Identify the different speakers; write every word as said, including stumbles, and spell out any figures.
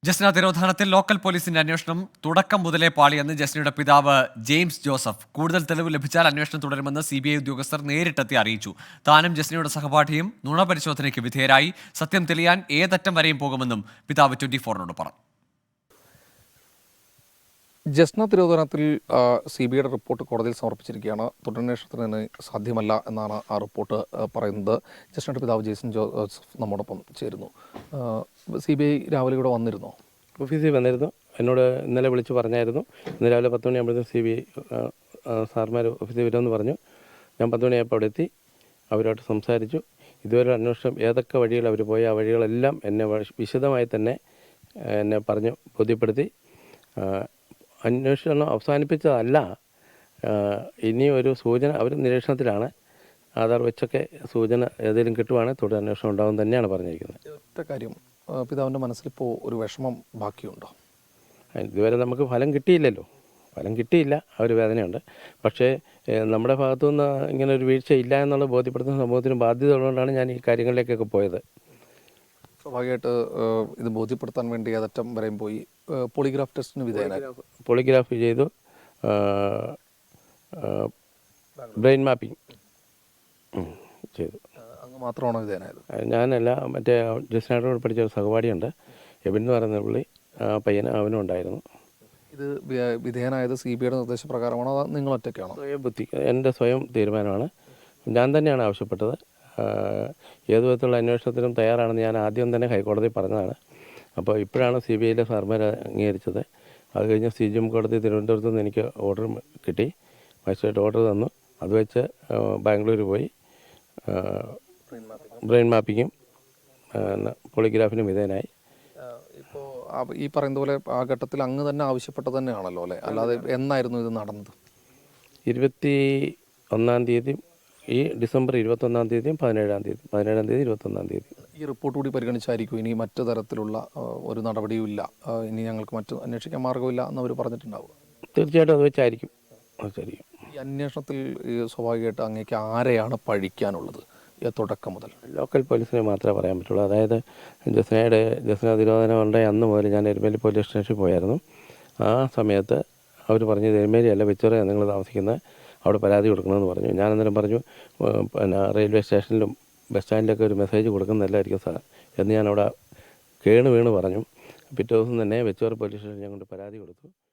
Speaker 1: Jasna തിരോധാനത്തിൽ local പോലീസിന്റെ അന്വേഷണം തുടക്കം മുതലേ പാളിയെന്ന് ജസ്നയുടെ പിതാവ് ജെയിംസ് ജോസഫ്. കൂടുതൽ തെളിവ് ലഭിച്ചാൽ അന്വേഷണം തുടരുമെന്ന് സി ബി ഐ ഉദ്യോഗസ്ഥർ നേരിട്ടെത്തി അറിയിച്ചു. താനും ജസ്നയുടെ സഹപാഠിയും നുണപരിശോധനയ്ക്ക് വിധേയരായി. സത്യം തെളിയാൻ ഏതറ്റം വരെയും പോകുമെന്നും പിതാവ് ട്വന്റി ഫോറിനോട് പറഞ്ഞു.
Speaker 2: ജസ്ന തിരോധാനത്തിൽ സി ബി ഐയുടെ റിപ്പോർട്ട് കോടതിയിൽ സമർപ്പിച്ചിരിക്കുകയാണ്. തുടരന്വേഷണത്തിന് സാധ്യമല്ല എന്നാണ് ആ റിപ്പോർട്ട് പറയുന്നത്. ജസ്നയുടെ പിതാവ് ജെയ്സൺ ജോസഫ് നമ്മോടൊപ്പം ചേരുന്നു. സി ബി ഐ രാവിലെ ഇവിടെ വന്നിരുന്നോ?
Speaker 3: ഓഫീസിൽ വന്നിരുന്നു. എന്നോട് ഇന്നലെ വിളിച്ച് പറഞ്ഞായിരുന്നു. ഇന്ന് രാവിലെ പത്ത് മണിയാകുമ്പോഴത്തേക്കും സി ബി ഐ സാർമാർ ഓഫീസിൽ വരുമെന്ന് പറഞ്ഞു. ഞാൻ പത്ത് മണിയായപ്പോൾ അവിടെ എത്തി. അവരോട്ട് സംസാരിച്ചു. ഇതുവരെ അന്വേഷണം ഏതൊക്കെ വഴികൾ അവർ പോയി ആ വഴികളെല്ലാം എന്നെ വിശദമായി തന്നെ എന്നെ പറഞ്ഞു ബോധ്യപ്പെടുത്തി. അന്വേഷണം അവസാനിപ്പിച്ചതല്ല, ഇനി ഒരു സൂചന അവർ നിരീക്ഷണത്തിലാണ്. ആധാർ വെച്ചൊക്കെ സൂചന ഏതെങ്കിലും കിട്ടുവാണെങ്കിൽ തുടർ അന്വേഷണം ഉണ്ടാകും തന്നെയാണ് പറഞ്ഞിരിക്കുന്നത്.
Speaker 2: ഒറ്റ കാര്യം, പിതാവിൻ്റെ മനസ്സിലിപ്പോൾ ഒരു വിഷമം ബാക്കിയുണ്ടോ?
Speaker 3: ഇതുവരെ നമുക്ക് ഫലം കിട്ടിയില്ലല്ലോ. ഫലം കിട്ടിയില്ല, ആ ഒരു വേദനയുണ്ട്. പക്ഷേ നമ്മുടെ ഭാഗത്തുനിന്ന് ഇങ്ങനെ ഒരു വീഴ്ച ഇല്ല എന്നുള്ളത് ബോധ്യപ്പെടുത്തുന്ന സമൂഹത്തിന് ബാധ്യത ഉള്ളതുകൊണ്ടാണ് ഞാൻ ഈ കാര്യങ്ങളിലേക്കൊക്കെ പോയത്.
Speaker 2: സ്വാഭാവികമായിട്ട് ഇത് ബോധ്യപ്പെടുത്താൻ വേണ്ടി ഏതറ്റം വരെയും പോയി. പോളിഗ്രാഫ് ടെസ്റ്റിന് വിധേയനായി.
Speaker 3: പോളിഗ്രാഫ് ചെയ്തു, ബ്രെയിൻ മാപ്പിംഗ് ചെയ്തു.
Speaker 2: അങ്ങ് മാത്രമാണോ വിധേയനായത്?
Speaker 3: ഞാനല്ല, മറ്റേ ജസ്നയോട് പഠിച്ച ഒരു സഹപാഠിയുണ്ട്, എബിൻ എന്ന് പറയുന്ന പുള്ളി, ആ പയ്യന് അവനും ഉണ്ടായിരുന്നു.
Speaker 2: ഇത് വിധേയനായത് സി ബി ഐയുടെ നിർദ്ദേശപ്രകാരമാണോ അതോ നിങ്ങൾ ഒറ്റയ്ക്കാണോ?
Speaker 3: സ്വയം ബുദ്ധി, എൻ്റെ സ്വയം തീരുമാനമാണ്. ഞാൻ തന്നെയാണ് ആവശ്യപ്പെട്ടത്. ഏതു വിധത്തിലുള്ള അന്വേഷണത്തിനും തയ്യാറാണെന്ന് ഞാൻ ആദ്യം തന്നെ ഹൈക്കോടതി പറഞ്ഞതാണ്. അപ്പോൾ ഇപ്പോഴാണ് സി ബി ഐയിലെ സാർമാർ അംഗീകരിച്ചത്. അത് കഴിഞ്ഞ് സി ജി എം കോടതി തിരുവനന്തപുരത്ത് നിന്ന് എനിക്ക് ഓർഡർ കിട്ടി. മജിസ്ട്രേറ്റ് ഓർഡർ തന്നു. അത് വെച്ച് ബാംഗ്ലൂർ പോയി ബ്രെയിൻ മാപ്പിങ്ങും പോളിഗ്രാഫിനും വിധേയനായി.
Speaker 2: ഇപ്പോൾ ഈ പറയുന്ന പോലെ ആ ഘട്ടത്തിൽ അങ്ങ് തന്നെ ആവശ്യപ്പെട്ടത് തന്നെയാണല്ലോ അല്ലേ? അല്ലാതെ എന്നായിരുന്നു ഇത് നടന്നത്?
Speaker 3: ഇരുപത്തി ഒന്നാം തീയതി ഈ ഡിസംബർ ഇരുപത്തൊന്നാം തീയതിയും പതിനേഴാം തീയതി പതിനേഴാം തീയതി ഇരുപത്തൊന്നാം തീയതി
Speaker 2: ഈ റിപ്പോർട്ട് കൂടി പരിഗണിച്ചായിരിക്കും ഇനി മറ്റു തരത്തിലുള്ള ഒരു നടപടിയുമില്ല, ഇനി ഞങ്ങൾക്ക് മറ്റു അന്വേഷിക്കാൻ മാർഗമില്ല എന്നവർ പറഞ്ഞിട്ടുണ്ടാവുക?
Speaker 3: തീർച്ചയായിട്ടും അത് വെച്ചായിരിക്കും അതായിരിക്കും
Speaker 2: ഈ അന്വേഷണത്തിൽ സ്വാഭാവികമായിട്ട് അങ്ങേക്ക് ആരെയാണ് പഴിക്കാനുള്ളത്? തുടക്കം മുതൽ
Speaker 3: ലോക്കൽ പോലീസിനെ മാത്രമേ പറയാൻ പറ്റുള്ളൂ. അതായത് ജസ്നയുടെ ജസ്ന തിരോധാനം ഉണ്ടായ അന്ന് മുതൽ ഞാൻ എരുമേലി പോലീസ് സ്റ്റേഷനിൽ പോയായിരുന്നു. ആ സമയത്ത് അവർ പറഞ്ഞത് എരുമേലി അല്ല, വെച്ചോറ നിങ്ങൾ താമസിക്കുന്നത്, അവിടെ പരാതി കൊടുക്കണമെന്ന് പറഞ്ഞു. ഞാൻ അന്നേരം പറഞ്ഞു, പിന്നെ റെയിൽവേ സ്റ്റേഷനിലും ബസ് സ്റ്റാൻഡിലൊക്കെ ഒരു മെസ്സേജ് കൊടുക്കുന്നതല്ലായിരിക്കും സാർ എന്ന് ഞാൻ അവിടെ കേണ് വീണ് പറഞ്ഞു. പിറ്റേ ദിവസം തന്നെ വെച്ചോറ പോലീസ് സ്റ്റേഷനിൽ ഞാൻ കൊണ്ട് പരാതി കൊടുത്തു.